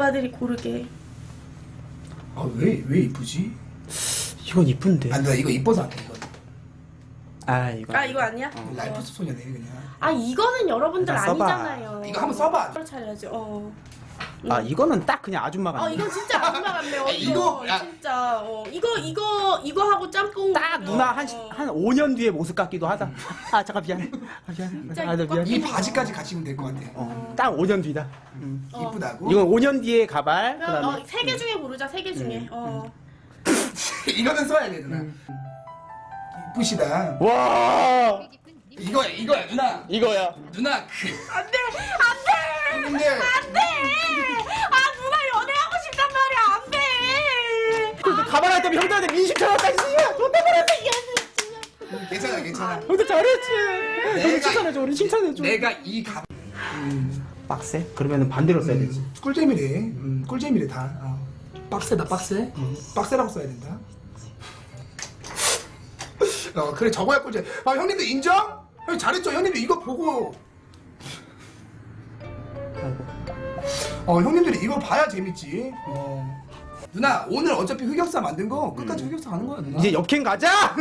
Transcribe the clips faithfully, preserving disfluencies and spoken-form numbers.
오빠들이 고르게. 아, 왜, 왜 이쁘지? 이건 이쁜데. 아, 나 이거 이뻐서 안 해, 이거. 아 이거. 아 이거 아니야? 어. 라이프 소녀네, 그냥. 아 이거는 여러분들 일단 써봐. 아니잖아요. 이거 한번 써봐. 그걸 차려야지. 어. 아 이거는 딱 그냥 아줌마 같네. 어 이건 진짜 아줌마 같네요. 아, 이거, 이거, 야. 진짜. 어 이거 이거 이거 하고 짬뽕. 딱 누나 한 어. 한 오 년 뒤의 모습 같기도 하다. 아 잠깐 미안해. 아 미안해. 진짜 아, 나 미안해. 이 바지까지 같이 입으면 될 것 같아. 어, 딱 오 년 뒤다. 음. 어. 이쁘다고? 이건 오 년 뒤의 가발. 그럼 그다음에 어, 세 개 중에 고르자. 세 개 중에. 어. 이거는 써야 돼, 누나. 이쁘시다. 와 이거야, 이거야, 누나. 이거야. 누나, 그. 안돼 안돼 근데, 안돼. 아 누나 연애하고 싶단 말이야. 안돼. 근데 가발 할 때면 형들한테 민심 쳐놨다. 씨야 존나 잘했어. 괜찮아, 괜찮아. 형들 잘했지. 내가 우리 칭찬해줘. 우리 칭찬해줘. 내가 이 가. 빡세? 그러면은 반대로 써야 되지. 꿀잼이래. 음, 꿀잼이래, 다. 어. 빡세다, 빡세. 빡세라고 써야 된다. 어, 그래, 저거야 꿀잼. 아, 형님들 인정? 형 잘했죠? 형님들 이거 보고. 아이고. 어, 형님들이 이거 봐야 재밌지. 어. 누나, 오늘 어차피 흑역사 만든 거 끝까지 흑역사 가는 거야, 누나. 이제 역행 가자.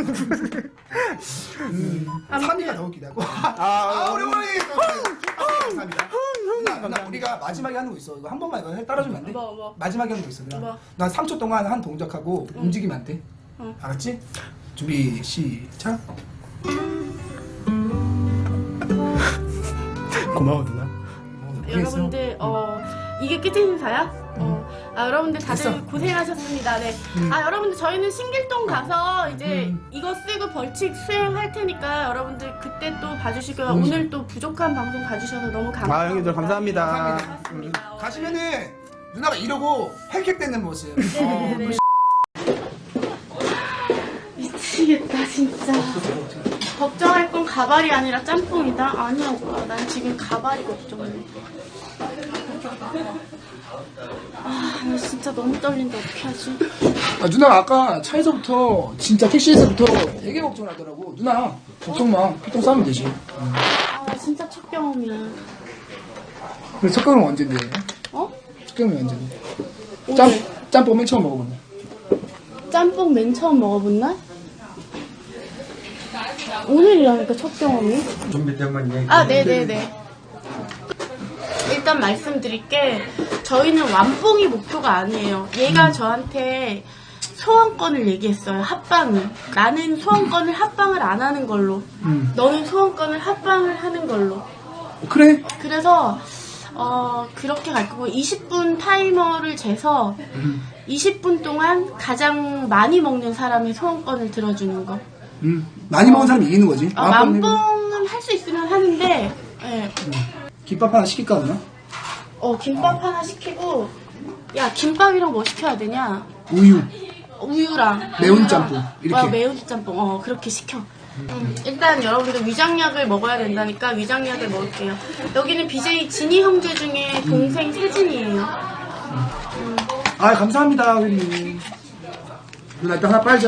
음, 삼 위가 더 웃기다고. 아, 아, 오랜만에. 아, 감사합니다. 누나, 누나, 우리가 마지막에 하는 거 있어. 이거 한 번만 이거 해- 따라주면 안 돼? 뭐, 뭐. 마지막에 하는 거 있어. 누나. 뭐? 난 삼 초 동안 한 동작하고 움직이면 안 돼. 응. 알았지? 준비, 시작. 고마워 누나. 여러분들 어 이게 끝 인사야? 어. 아 여러분들 다들 됐어. 고생하셨습니다. 네. 아 여러분들 저희는 신길동 가서 이제 음. 이거 쓰고 벌칙 수행할 테니까 여러분들 그때 또 봐주시고요. 음. 오늘 또 부족한 방송 봐주셔서 너무 감사합니다. 아 형님들 감사합니다. 감사합니다. 고맙습니다. 어, 가시면은 누나가 이러고 헬킥되는 모습. 어, 네. 미치겠다 진짜. 걱정할 건 가발이 아니라 짬뽕이다? 아니야 오빠. 난 지금 가발이 걱정해. 아, 나 진짜 너무 떨린다. 어떻게 하지? 아, 누나가 아까 차에서부터 진짜 택시에서부터 되게 걱정하더라고. 누나 걱정 마. 피통 싸면 되지. 아, 나 진짜 첫 경험이야. 근데 첫 경험은 언젠데? 어? 첫 경험이 언젠데? 오늘 짬 짬뽕 맨 처음 먹어본 날. 짬뽕 맨 처음 먹어본 날? 오늘이라니까 첫 경험이. 아, 네네네. 일단 말씀드릴게 저희는 완뽕이 목표가 아니에요. 얘가 저한테 소원권을 얘기했어요. 합방을. 나는 소원권을 합방을 안 하는 걸로. 음. 너는 소원권을 합방을 하는 걸로. 그래? 그래서 어 그렇게 갈 거고 이십 분 타이머를 재서 이십 분 동안 가장 많이 먹는 사람의 소원권을 들어주는 거. 음. 많이 먹은 사람이 이기는 거지. 어, 만뽕은 할 수 있으면 하는데 예. 김밥 하나 시킬까 누나? 어 김밥 하나 시키고 야 김밥이랑 뭐 시켜야 되냐? 우유. 우유랑 매운 우유랑, 짬뽕, 이렇게. 어, 매운 짬뽕 어 그렇게 시켜. 음, 일단 여러분들 위장약을 먹어야 된다니까 위장약을 먹을게요. 여기는 비제이 진이 형제 중에 동생 세진이에요. 아 감사합니다 형님. 누나 일단 하나 빨자.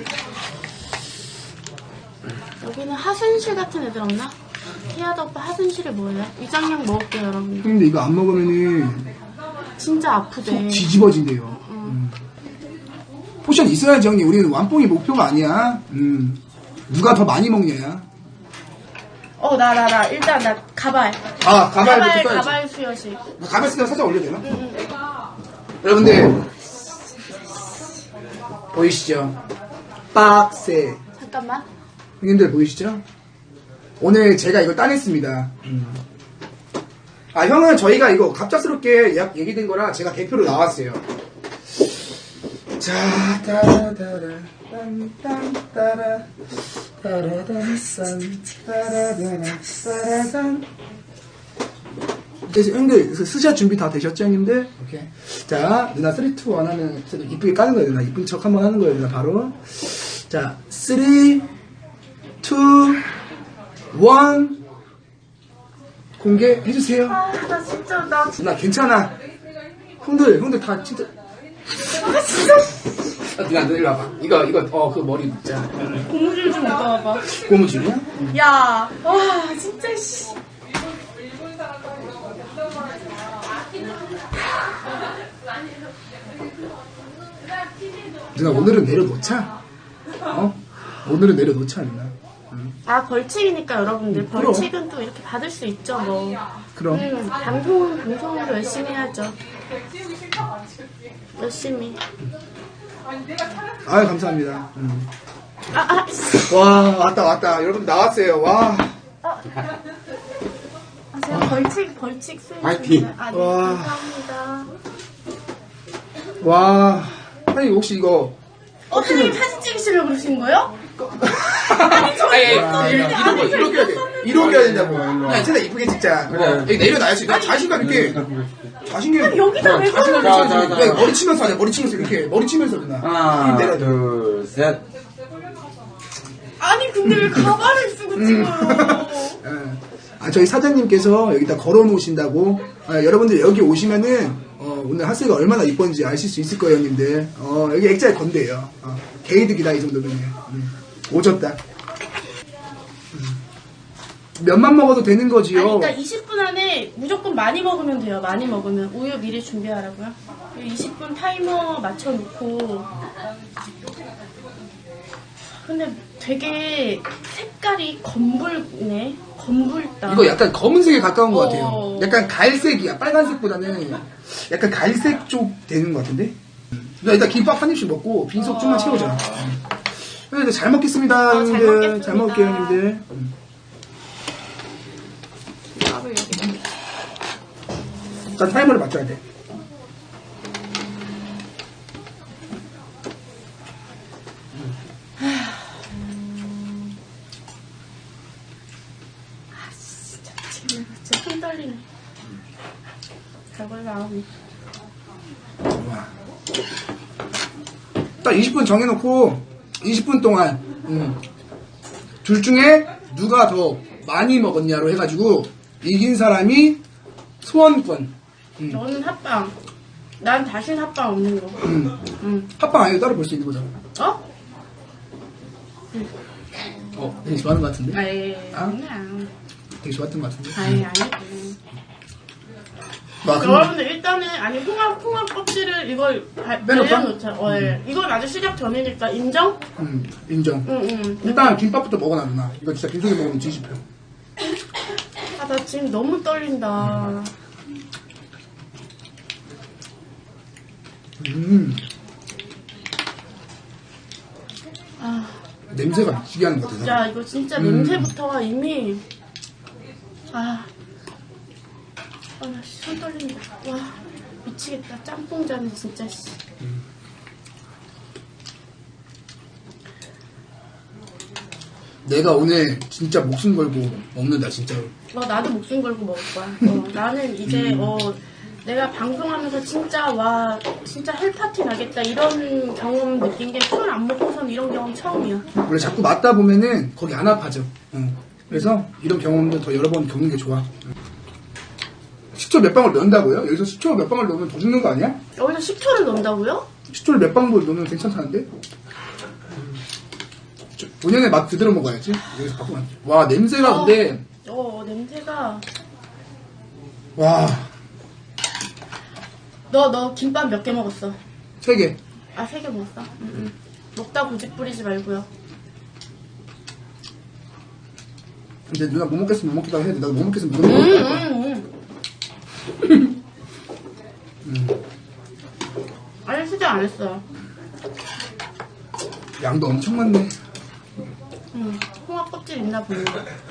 여기는 하순실 같은 애들 없나? 태아도 오빠 하순실에 뭐예요? 위장약 먹을게요 여러분. 형님들 이거 안 먹으면은 진짜 아프대. 속 뒤집어진대요. 음. 포션 있어야지 형님. 우리는 완뽕이 목표가 아니야. 음. 누가 더 많이 먹냐야. 어 나 나 나 일단 나 가발. 아 가발부터 가발 써야지. 가발 수여식. 가발 쓰면 살짝 올려도 되나? 응, 응. 여러분들 보이시죠? 빡세. 잠깐만. 형님들 보이시죠? 오늘 제가 이걸 따냈습니다. 아 형은 저희가 이거 갑작스럽게 예약 얘기된 거라 제가 대표로 나왔어요. 자, 따라따라, 딴딴 따라, 따라단, 싼, 따라다라, 따라단. 이제 형들 스샷 준비 다 되셨죠, 형님들? 오케이. 자, 누나 삼, 이, 일 하면 이쁘게 까는 거예요, 누나. 이쁜 척 한번 하는 거예요, 누나 바로. 자, 삼, 이, 일 공개해주세요. 아 나 진짜 나 누나 괜찮아. 형들, 형들 다 진짜. 아, 진짜 아, 누나, 너 일로 와봐. 이거, 이거, 어, 그 머리 묶자. 고무줄 좀 입어봐. 고무줄이야? 야, 와 진짜 씨. 누나 오늘은 내려놓자. 어? 오늘은 내려놓자 누나. 응. 아 벌칙이니까 여러분들 그럼. 벌칙은 또 이렇게 받을 수 있죠 뭐. 그럼. 음, 방송은 방송으로 열심히 해야죠. 열심히. 아유 감사합니다. 음. 아, 아, 씨. 와 왔다 왔다 여러분 나왔어요. 와. 아, 제가 벌칙 벌칙 수행 파이팅. 중입니다. 아, 네, 와. 감사합니다. 와. 아니 혹시 이거 어, 선생님 사진 찍으시려고 그러신 거예요? 아니, 썼는데 이런 거 아니, 이렇게 해야 돼. 썼는데. 이렇게 해야 된다고. 일로 와. 야, 쟤네 이쁘게 찍자. 그래. 여기 내려놔야지. 나 자신감 있게. 자신감 아니, 여기다 왜 자신감 걸어? 자, 자, 있게. 자. 야, 머리 치면서 하자. 머리 치면서 이렇게. 머리 치면서 누나. 하나, 내려놔. 둘, 셋. 아니 근데 왜 가발을 쓰고 찍어요? 예. 아, 저희 사장님께서 여기다 걸어 놓으신다고. 아, 여러분들 여기 오시면은, 어, 오늘 하스가 얼마나 이쁜지 아실 수 있을 거예요, 형님들. 어, 여기 액자에 건대요. 어, 게이득이다, 이 정도면. 음, 오졌다. 음. 면만 먹어도 되는 거지요. 아니 그러니까 이십 분 안에 무조건 많이 먹으면 돼요. 많이 먹으면 우유 미리 준비하라고요. 이십 분 타이머 맞춰놓고. 근데 되게 색깔이 검붉네. 검붉다. 이거 약간 검은색에 가까운 것 같아요. 어. 약간 갈색이야. 빨간색보다는 약간 갈색 쪽 되는 것 같은데? 나 일단 김밥 한 입씩 먹고 빈속 좀만 채우자. 음. 네, 잘 먹겠습니다, 어, 잘 형님들. 먹겠습니다. 잘 먹을게요, 형님들. 음. 밥을 여기다. 일단 타이머를 맞춰야 돼. 아 진짜 지금 진짜 손 떨리네. 별걸 나오네. 와. 딱 이십 분 정해놓고 이십 분 동안 음, 둘 중에 누가 더 많이 먹었냐로 해가지고 이긴 사람이 소원권. 음. 너는 합방. 난 다신 합방 없는 거. 음. 응. 합방 아니고 따로 볼 수 있는 거잖아. 어? 어, 되게 좋아하는 것 같은데? 아이, 아? 그냥. 되게 좋았던 것 같은데? 아이, 아니. 와, 근데 여러분들 일단은 아니 홍합 홍합 껍질을 이걸 발- 빼놓을까? 발려놓자. 어, 예. 이건 아주 시작 전이니까 인정? 음, 인정. 응, 응. 일단 김밥부터 먹어놔 누나. 이거 진짜 빈속에 먹으면 뒤집혀. 아, 나 지금 너무 떨린다. 음, 아, 냄새가 미치게 하는 것 같아. 진짜 이거 진짜 음. 냄새부터가 이미 아, 아, 나 손 떨린다. 와, 미치겠다. 짬뽕자는 진짜 씨. 내가 오늘 진짜 목숨 걸고 먹는다 진짜로. 어, 나도 목숨 걸고 먹을 거야. 어, 나는 이제 어, 내가 방송하면서 진짜 와 진짜 헬파티 나겠다 이런 경험 느낀 게 술 안 먹고선 이런 경험 처음이야. 원래 자꾸 맞다 보면은 거기 안 아파져. 응. 그래서 이런 경험도 더 여러 번 겪는 게 좋아. 응. 식초 몇 방울 넣는다고요? 여기서 식초 몇 방울 넣으면 더 죽는 거 아니야? 여기서 식초를 넣는다고요? 식초를 몇 방울 넣으면 괜찮다는데? 본연의 맛 그대로 먹어야지. 여기서 바꾸면 안 돼. 와 냄새가 근데 어 냄새가. 와 너 너 김밥 몇 개 먹었어? 세 개. 아 세 개 먹었어? 응, 응. 먹다 고집 부리지 말고요. 근데 누나 못 먹겠으면 못 먹겠다고 해야 돼. 나도 못 먹겠으면 못 응, 먹을 거야. 응, 응. 아니 수정 안 했어요. 양도 엄청 많네. 응. 홍합 껍질 있나 보네.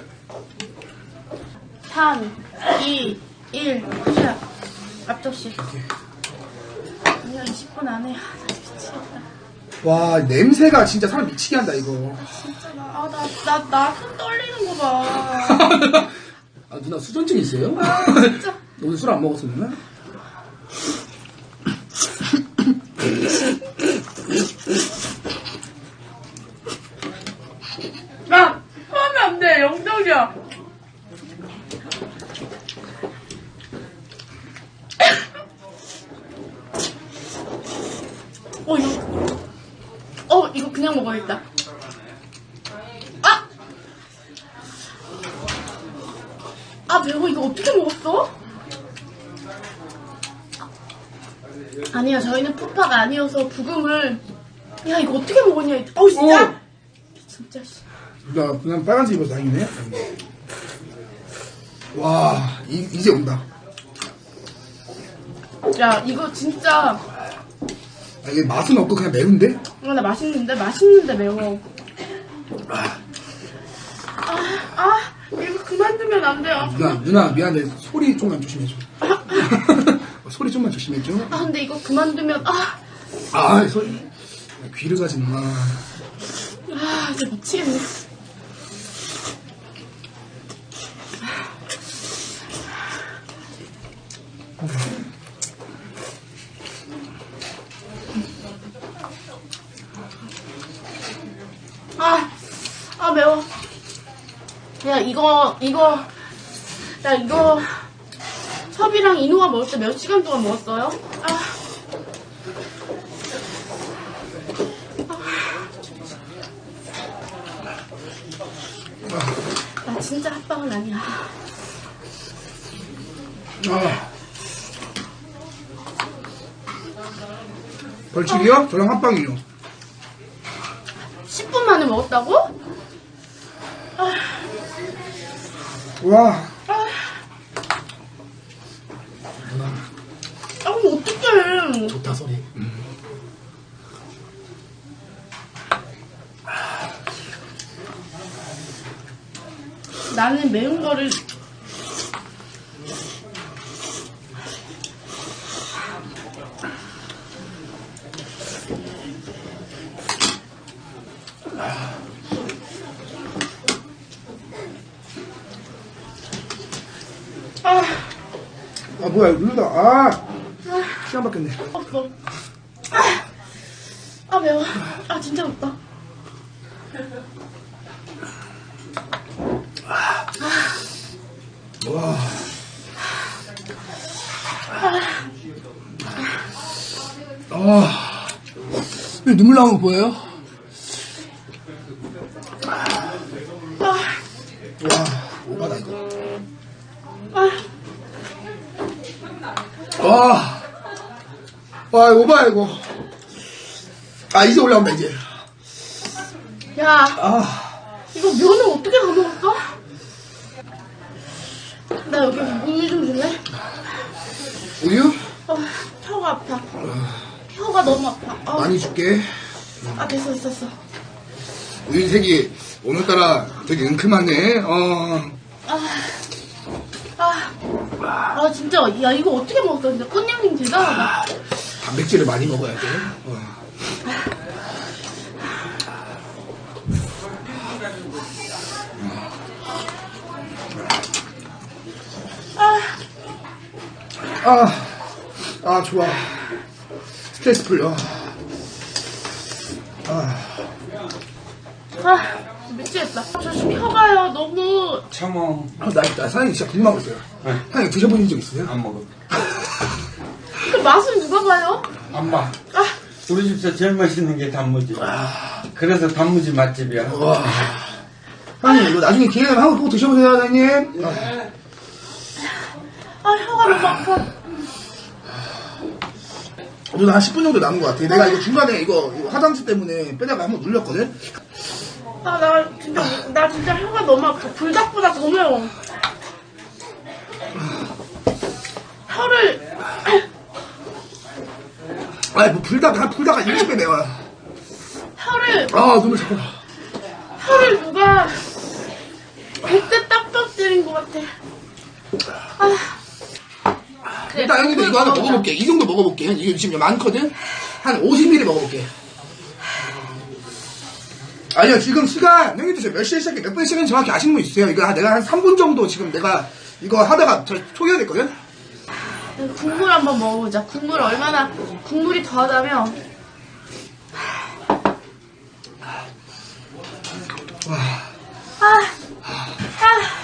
삼, 이, 일, 시작. 앞접시. 아니야, 이십 분 안에. 아, 나 미치겠다. 와 냄새가 진짜 사람 미치게 한다 이거. 진짜 나, 아, 나, 나, 나 손 떨리는 거 봐. 아 누나 수전증 있어요? 아, 진짜. 오늘 술 안 먹었어 누나? 야! 하면 안 돼, 영정이야. 어, 이거. 어, 이거 그냥 먹어야겠다. 아! 아, 매워. 이거 어떻게 먹었어? 아니요, 저희는 푸파가 아니어서 부금을. 야, 이거 어떻게 먹었냐? 어우, 진짜. 오! 진짜, 씨. 나 그냥 빨간색 입어서 다행이네. 와, 이, 이제 온다. 야, 이거 진짜. 아, 이게 맛은 없고 그냥 매운데? 아, 나 맛있는데? 맛있는데 매워. 아, 아, 아, 이거 그만두면 안 돼요. 누나, 누나, 미안해. 소리 좀만 조심해줘. 소리 좀만 조심해줘. 아, 근데 이거 그만두면, 아, 아, 소리. 귀를 가지 마. 아, 진짜 미치겠네. 아, 아, 매워. 야, 이거, 이거, 야, 이거, 섭이랑 이누가 먹을 때 몇 시간 동안 먹었어요? 아. 나 진짜 합방은 아니야. 아. 벌칙이요? 저랑 합방이요. 십 분 만에 먹었다고? 아, 와. 아. 아, 그럼 어떡해. 좋다, 소리. 음. 나는 매운 거를. 아, 아, 뭐야, 누르다. 아. 시간 바뀌었네. 없어. 아, 아, 매워. 아, 진짜 맵다. 와. 아. 왜 눈물 나오는 거 보여요? 아, 와, 오바다, 이거. 아, 와. 와, 오바야, 이거. 아, 이제 올라온다, 이제. 야, 아. 이거 면을 어떻게 다 먹었어? 나 여기 우유 좀 줄래? 우유? 어, 혀가 아파. 혀가 너무 아파. 어. 많이 줄게. 아, 됐어, 됐어, 됐어. 우유 색이 오늘따라 되게 은큼하네. 어. 아, 아, 진짜, 야, 이거 어떻게 먹었어? 진짜 꽃냥님 대단하다. 단백질을 많이 먹어야 돼. 어. 아, 아, 아, 좋아. 스트레스 풀려. 아, 아, 미치겠다. 저 지금 혀가요, 너무. 참어. 아, 나, 나 사장님 진짜 궁금한 거 있어요. 네. 사장님 드셔보신 적 있으세요? 안 먹어. 그 맛을 누가 봐요? 안 봐. 아, 우리 집에서 제일 맛있는 게 단무지. 그래서 단무지 맛집이야. 와. 사장님, 이거 나중에 기회 되면 하고 또 드셔보세요, 사장님. 아, 아, 혀가 너무 아파. 저도 한 십 분 정도 남은 것 같아. 내가 이거 중간에 이거, 이거 화장실 때문에 빼다가 한번 눌렸거든? 아, 나 진짜, 나 진짜 혀가 너무 아파. 불닭보다 더 매워. 혀를, 아이, 뭐, 불닭, 한 불닭 한 이십 배 매워요. 혀를, 아, 눈물 자꾸 나. 혀를 누가 백대 딱딱 때린 것 같아. 아. 그래, 일단 형님들 이거 하나 먹어볼게. 이 정도 먹어볼게. 이게 지금 많거든? 한 오십 밀리리터 먹어볼게. 아니요, 지금 시간, 형님들 지금 몇 시에 시작해, 몇 분에 시작해 정확히 아시는 분 있으세요? 이거 한- 내가 한 삼 분 정도 지금 내가 이거 하다가 저 초기화 됐거든? 국물 한번 먹어보자. 국물 얼마나, 국물이 더하다면. 와. 아, 아,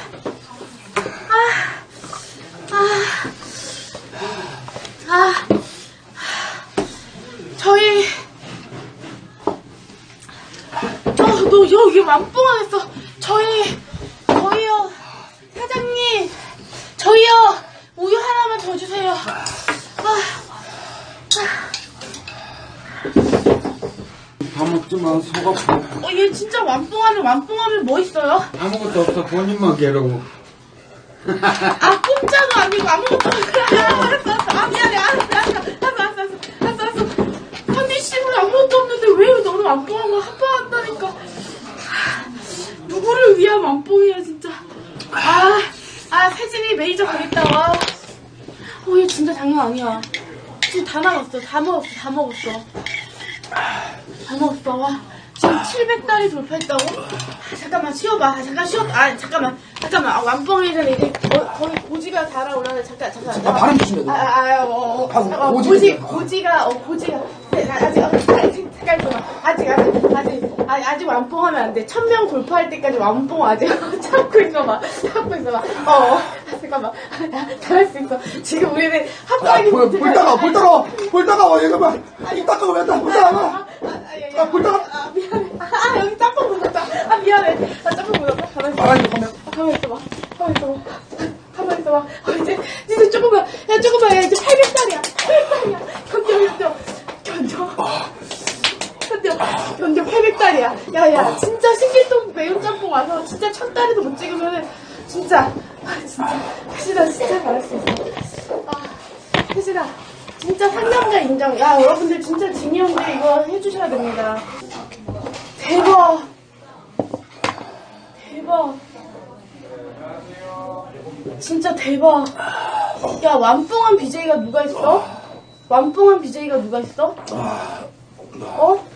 아, 아, 아, 저희, 어, 너 여기 맘뽕하겠어. 저희, 저희요, 사장님, 저희요, 우유 하나만 더 주세요. 아, 다 먹지만 속 아파. 어, 얘 진짜 완뽕하면 완뽕하면 뭐 있어요? 아무것도 없어. 본인만 괴로워. 아, 공짜도 아니고 아무것도 없어. 아, 알았어, 알았어. 아, 미안해. 알았어, 알았어. 알았어, 알았어, 알았어. 알았어, 알았어. 현미 씨는 아무것도 없는데 왜 너는 완뽕한 거 합방한다니까. 누구를 위한 완뽕이야, 진짜. 아, 아, 세진이 메이저 가겠다, 와. 어, 얘 진짜 장난 아니야. 지금 다 나갔어. 다 먹었어, 다 먹었어. 다 먹었어, 와. 지금 칠백 달이 돌파했다고? 아, 잠깐만 쉬어봐. 아, 잠깐 쉬어. 아 잠깐만 잠깐만. 아, 완뽕이 전에 이제 거, 거의 고지가 달아올라네. 잠깐 잠깐. 아, 바람 조심해. 아, 아, 아, 어, 어, 아, 어, 고지, 고지, 아. 고지가, 어, 고지가. 네, 아, 아직, 어, 아직, 잠깐 있어봐. 아직, 아직, 아직, 아직, 아직 완뽕하면 안 돼. 천 명 돌파할 때까지 완뽕 아직 참고 있어봐. 참고 있어봐. 어, 어. 아, 잠깐만. 잘할 수 있어. 지금 우리는 합방이. 볼, 볼 따가, 볼 따가, 볼 따가, 얘가 봐. 이 닦아가 왜 딱, 볼 따가. 아, 볼 따가. 아, 미안해. 아, 여기 짬뽕 묻었다. 아, 미안해. 아, 짬뽕 묻었다. 가만히 있어. 말하지, 가면. 아, 가만히 있어봐. 가만히 있어봐. 가만히 있어봐. 어, 이제, 이제 조금만. 야, 조금만. 야, 이제 팔백 달이야. 팔백 달이야. 견뎌, 견뎌. 견뎌. 견뎌. 견뎌. 팔백 달이야. 야, 야, 진짜 신길동 매운 짬뽕 와서 진짜 천 달에도 못 찍으면은, 진짜. 아, 진짜. 혜진아, 진짜 잘할 수 있어. 아, 혜진아. 진짜 상남자 인정. 야, 여러분들 진짜 진이 형들 이거 해주셔야 됩니다. 대박. 대박. 진짜 대박. 야, 완뽕한 비제이가 누가 있어? 완뽕한 비제이가 누가 있어? 어?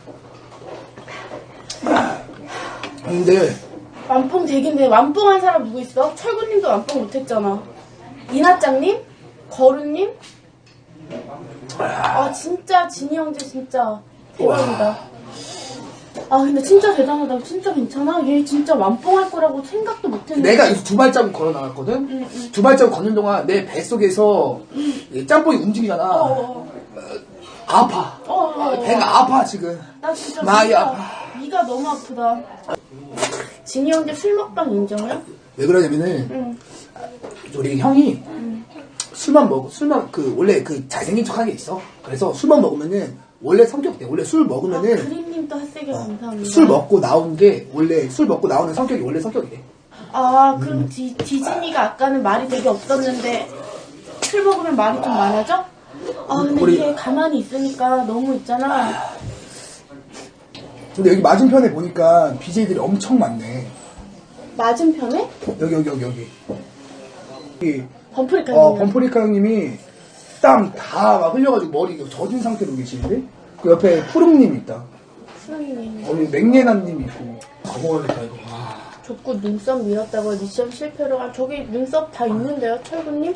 근데, 완뽕 되긴데 완뽕한 사람 누구 있어? 철구님도 완뽕 못했잖아. 이나짱님? 거루님? 아 진짜 진이 형제 진짜 대박이다. 아 근데 진짜 대단하다. 진짜 괜찮아? 얘 진짜 완뽕할 거라고 생각도 못했는데. 내가 두 발자국 걸어 나갔거든? 응, 응. 두 발자국 걷는 동안 내 뱃속에서 이 짬뽕이 움직이잖아. 어, 아파. 어, 어, 어. 배가 아파, 지금. 나 진짜 많이 위가, 아파. 위가 너무 아프다. 진이 형제 술 먹방 인정해? 왜 그러냐면은, 응. 우리 형이 술만 먹, 술만, 그, 원래 그 잘생긴 척 하는 게 있어. 그래서 술만 먹으면은, 원래 성격 돼. 원래 술 아, 먹으면은, 그린님도 핫세게 감사합니다. 술 먹고 나온 게, 원래, 술 먹고 나오는 성격이 원래 성격이래. 아, 그럼 디, 디즈니가 아까는 말이 되게 없었는데 술 먹으면 말이 좀 많아져? 아, 근데 우리- 이게 가만히 있으니까 너무 있잖아. 근데 여기 맞은편에 보니까 비제이들이 엄청 많네. 맞은편에? 여기, 여기, 여기, 여기. 여기, 범프리카 어, 형님. 범프리카 형님이 땀 다 막 흘려가지고 머리 젖은 상태로 계시는데? 그 옆에 푸릉님이 있다. 수영님. 우리 맹예나님이 있고. 가보겠다, 이거. 와. 족구 눈썹 밀었다고 미션 실패로. 아, 저기 눈썹 다 있는데요, 철구님?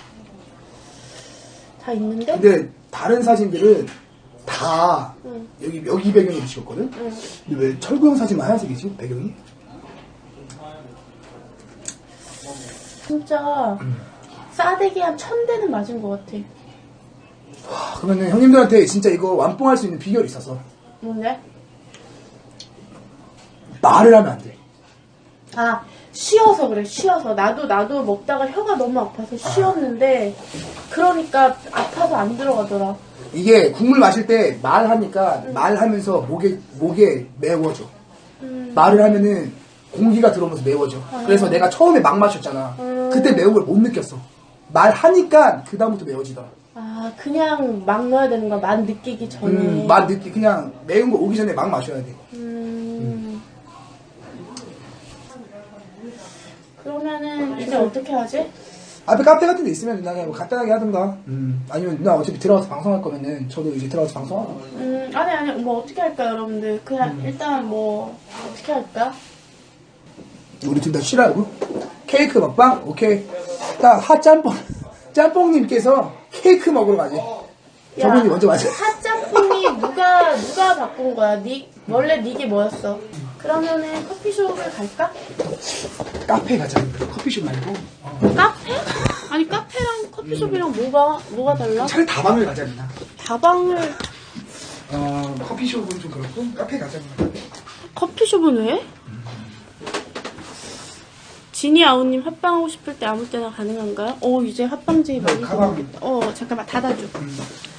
다 있는데? 근데 다른 사진들은 다 응. 여기 여기 배경으로 찍었거든? 응. 근데 왜 철구 형 사진만 하얀색이지? 배경이? 진짜 싸대기 한 천 대는 맞은 것 같아. 아, 그러면은 형님들한테 진짜 이거 완뽕할 수 있는 비결이 있어서 뭔데? 말을 하면 안 돼. 아, 쉬어서 그래, 쉬어서. 나도, 나도 먹다가 혀가 너무 아파서 쉬었는데, 그러니까 아파서 안 들어가더라. 이게 국물 마실 때 말하니까 말하면서 목에 목에 매워져. 음. 말을 하면은 공기가 들어오면서 매워져. 그래서 내가 처음에 막 마셨잖아. 음. 그때 매운 걸 못 느꼈어. 말하니까 그 다음부터 매워지더라. 아, 그냥 막 넣어야 되는 거야. 맛 느끼기 전에. 음, 맛 느끼 그냥 매운 거 오기 전에 막 마셔야 돼. 음. 그러면은, 이제 어떻게 하지? 앞에 카페 같은 데 있으면 누나 그냥 뭐 간단하게 하든가. 음. 아니면 누나 어차피 들어가서 방송할 거면은 저도 이제 들어가서 방송하고. 음, 아니, 아니, 뭐 어떻게 할까, 여러분들? 그냥, 일단 뭐, 어떻게 할까? 우리 둘 다 쉬라고? 케이크 먹방? 오케이. 딱 핫짬뽕 짬뽕님께서 케이크 먹으러 가지. 저분이 먼저 맞아. 핫짬뽕이 누가 누가 바꾼 거야? 니 원래 니게 뭐였어? 그러면은 커피숍을 갈까? 카페 가자. 커피숍 말고. 카페? 아니 카페랑 커피숍이랑 뭐가 뭐가 달라? 차라리 다방을 가자 누나. 다방을 어 커피숍은 좀 그렇고 카페 가자 누나. 커피숍은 왜? 지니 아우님 합방하고 싶을 때 아무 때나 가능한가요? 어 이제 합방제이 많이 가방. 들어오겠다. 어 잠깐만 닫아줘. 음.